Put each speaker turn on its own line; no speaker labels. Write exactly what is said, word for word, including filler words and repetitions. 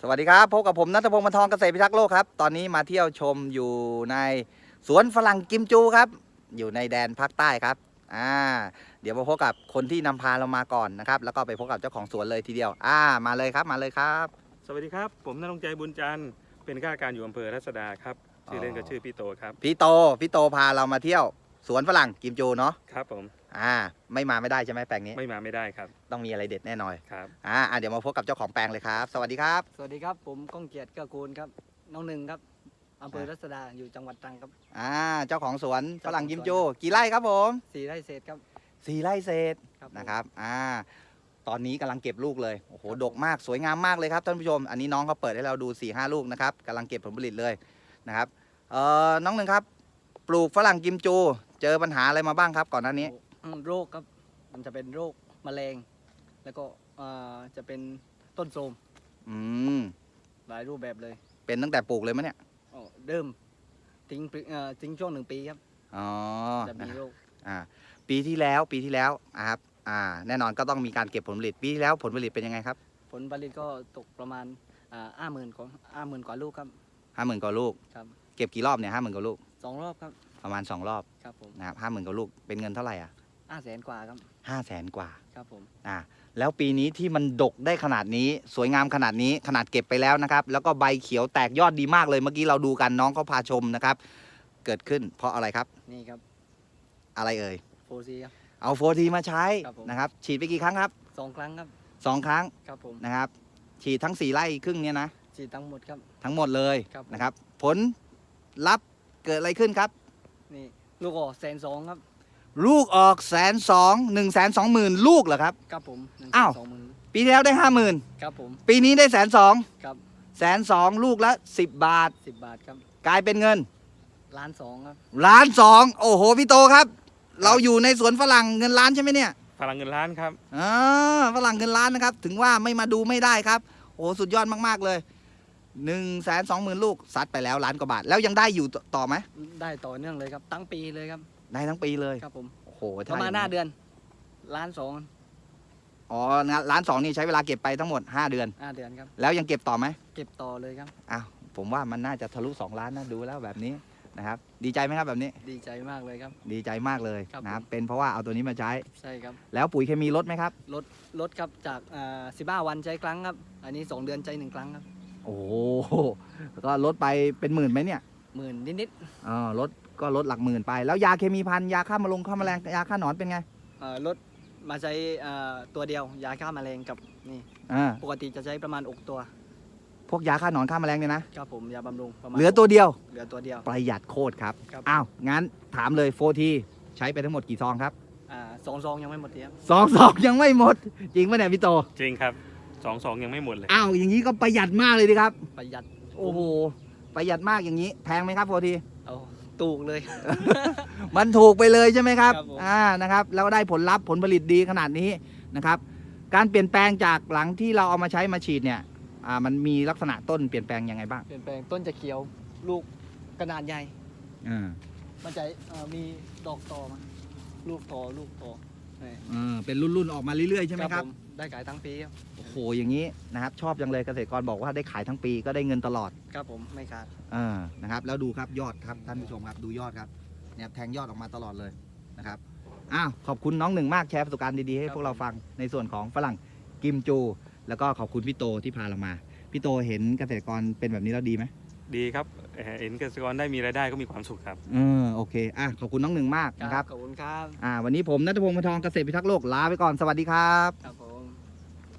สวัสดีครับพบกับผมณัฐพงศ์ บรรทองเกษตรพิทักษ์โลกครับตอนนี้มาเที่ยวชมอยู่ในสวนฝรั่งกิมจูครับอยู่ในแดนภาคใต้ครับอ่าเดี๋ยวมาพบกับคนที่นำพาเรามาก่อนนะครับแล้วก็ไปพบกับเจ้าของสวนเลยทีเดียวอ่ามาเลยครับมาเลยครับ
สวัสดีครับผมณรงค์ใจบุญจันทร์เป็นข้าราชการอยู่อำเภอรัศดาครับชื่อเล่นก็ชื่อพี่โตครับ
พี่โตพี่โตพาเรามาเที่ยวสวนฝรั่งกิมจูเนาะ
ครับผม
อ่าไม่มาไม่ได้ใช่ไหมแปลงนี้
ไม่มาไม่ได้ครับ
ต้องมีอะไรเด็ดแน่นอน
ครับ
อ่าเดี๋ยวมาพบกับเจ้าของแปลงเลยครับสวัสดีครับ
สวัสดีครับผมก้องเกียรติเกื้อกูลครับน้องหนึ่งครับอำเภอรัศดาอยู่จังหวัดตรังครับ
อ่าเจ้าของสวนฝรั่งกิมจูกี่ไร่ครับผม
สี่ไร่เศษครับ
สี่ไร่เศษ
ครับผม
นะครับอ่าตอนนี้กำลังเก็บลูกเลยโอ้โหดกมากสวยงามมากเลยครับท่านผู้ชมอันนี้น้องเขาเปิดให้เราดู สี่ห้า ลูกนะครับกำลังเก็บผลผลิตเลยนะครับเอ่อน้องหนึ่งครับปลูกฝรั่งกิมจูเจอปัญหาอะไรมาบ้างครับก่อนหน้านี้
อืมโรคครับมันจะเป็นโรคแมลง แล้วก็เอ่อจะเป็นต้นโทรม
อืม
หลายรูปแบบเลย
เป็นตั้งแต่ปลูกเลยมั้ยเนี่ย
อ๋อเดิมทิ้งปีเอ่อทิ้งช่วงหนึ่งปีครับ
อ๋อ
จะมีโรค
อ่าปีที่แล้วปีที่แล้วอ่ะครับอ่าแน่นอนก็ต้องมีการเก็บผลผลิตปีที่แล้วผลผลิตเป็นยังไงครับ
ผลผลิตก็ตกประมาณอ่าห้าหมื่นของห้าหมื่นกว่าลูกครับ
ห้าหมื่นกว่าลูก
ครับ
เก็บกี่รอบเนี่ยห้าหมื่นกว่าลูก
สองรอบครับ
ประมาณสองรอบ
ครับผม
นะครับห้าหมื่นกว่าลูกเป็นเงินเท่าไหร่อ่ะ
ห้าแสนกว่าครับ
ห้าแสนกว่า
ครับผม
อ่าแล้วปีนี้ที่มันดกได้ขนาดนี้สวยงามขนาดนี้ขนาดเก็บไปแล้วนะครับแล้วก็ใบเขียวแตกยอดดีมากเลยเมื่อกี้เราดูกันน้องเขาพาชมนะครับเกิดขึ้นเพราะอะไรครับ
นี่ครับ
อะไรเอ่ย
โฟซีครับ
เอาโฟทีมาใช้
ครับผม
นะครับฉีดไปกี่ครั้งครับ
สองครั้งครับ
สองครั้ง
ครับผม
นะครับฉีดทั้งสี่ไร่ครึ่งเนี้ยนะ
ฉีดทั้งหมดครับ
ทั้งหมดเลย
ครับผม
นะครับผลลัพธ์เกิดอะไรขึ้นครับ
นี่ลูกออกแสนสองครับ
ลูกออกแสนสองหนึ่งแสนสองหมื่นลูกเหรอครับ
ครับผมหนึ่ง
อ้าว
สองหมื่น
ปีที่แล้วได้ห้าหมื่น
ครับผม
ปีนี้ได้แสนสอง
ครับ
แสนสองลูกละสิบบาท
สิบบาทครับ
กลายเป็นเงิน
ล้านสองครับ
ล้านสองโอ้โหพี่โตครับ เราอยู่ในสวนฝรั่งเงินล้านใช่ไหมเนี่ย
พลังเงินล้านครับ
อ่าฝรั่งเงินล้านนะครับถึงว่าไม่มาดูไม่ได้ครับโอ้สุดยอดมากๆเลยหนึ่งแสนสองหมื่นลูกซัดไปแล้วล้านกว่าบาทแล้วยังได้อยู่ต่อไหม
ได้ต่อเนื่องเลยครับตั้งปีเลยครับ
ได้ทั้งปีเลย
ครับผม
โอ้โห
ประมาณหน้าเดือนล้านสอง
อ๋อล้านสองนี่ใช้เวลาเก็บไปทั้งหมดห้าเดือน
ห้าเดือนครับ
แล้วยังเก็บต่อไหม
เก็บต่อเลยครับ
อ้าวผมว่ามันน่าจะทะลุสองล้านนะดูแล้วแบบนี้นะครับดีใจไหมครับแบบนี้
ดีใจมากเลยครับ
ดีใจมากเลย
ครับ
นะครับ
ผม
เป็นเพราะว่าเอาตัวนี้มาใช้
ใช่ครับ
แล้วปุ๋ยเคมีลดไหมครับ
ลดลดครับจากสิบห้าวันใช้ครั้งครับ อันนี้สองเดือนใช้หนึ่งครั้งครับ
โอ้โหก็ลดไปเป็นหมื่นไหมเนี่ย
หมื่นนิด
อ๋อลดก็ลดหลักหมื่นไป แล้วยาเคมีพันยาฆ่าแมลงฆ่าแมลงยาฆ่าหนอนเป็นไง
ๆเอ่อลดมาใช้เอ่อตัวเดียวยาฆ่าแมลงกับนี่
อ่า
ปกติจะใช้ประมาณอกตัว
พวกยาฆ่าหนอนฆ่าแมลงเนี่ยนะครับ
ผมยาบำรุงประมาณ
เหลือตัวเดียว
เหลือตัวเดียว
ประหยัดโคตรครับ
ครับ
อ้าวงั้นถามเลยโฟทีใช้ไปทั้งหมดกี่ซองครับ
อ่าสองซองยังไม่หมดเดียว
สองซองยังไม่หมด จริงปะเนี่ยพี่โต
จริงครับสองสองยังไม่หมดเลย
อ้าวอย่างนี้ก็ประหยัดมากเลยดิครับ
ประหยัด
โอ้โหประหยัดมากอย่างนี้แพงไหมครับโฟที
เอาตูกเลย
มันถูกไปเลยใช่ไหมครับ
ครับผม
อ่านะครับแล้วได้ผลลัพธ์ผลผลิตดีขนาดนี้นะครับการเปลี่ยนแปลงจากหลังที่เราเอามาใช้มาฉีดเนี่ยอ่ามันมีลักษณะต้นเปลี่ยนแปลงยังไงบ้าง
เปลี่ยนแปลงต้นจะเขียวลูกขนาดใหญ่
อ่า
มันจะเอ่อมีดอกต่อมาลูกต่อลูกต่อนี่
อ่าเป็นรุ่นๆออกมาเรื่อยๆใช่ไหมครับ
ผมได้ขายทั้งปีครับ
โอ้โหอย่างนี้นะครับชอบจังเลยเกษตรกรบอกว่าได้ขายทั้งปีก็ได้เงินตลอด
ครับผมไม่ขาด
อ่านะครับแล้วดูครับยอดครับท่านผู้ชมครับดูยอดครับเนี่ยแทงยอดออกมาตลอดเลยนะครับอ้าวขอบคุณน้องหนึ่งมากแชร์ประสบการณ์ดีๆให้พวกเราฟังในส่วนของฝรั่งกิมจู แล้วก็ขอบคุณพี่โตที่พาเรามาพี่โตเห็นเกษตรกรเป็นแบบนี้แล้วดีไหม
ดีครับเอ่อเห็นเกษตรกรได้มีรายได้ก็มีความสุขครับ
เออโอเคอ่ะขอบคุณน้องหนึ่งมากนะครับ
ขอบคุณครับ
อ่าวันนี้ผมณัฐพงศ์ บรรทองเกษตรพิทักษ์โลกลาไปก่อนสวัสดีครับ
ครับผม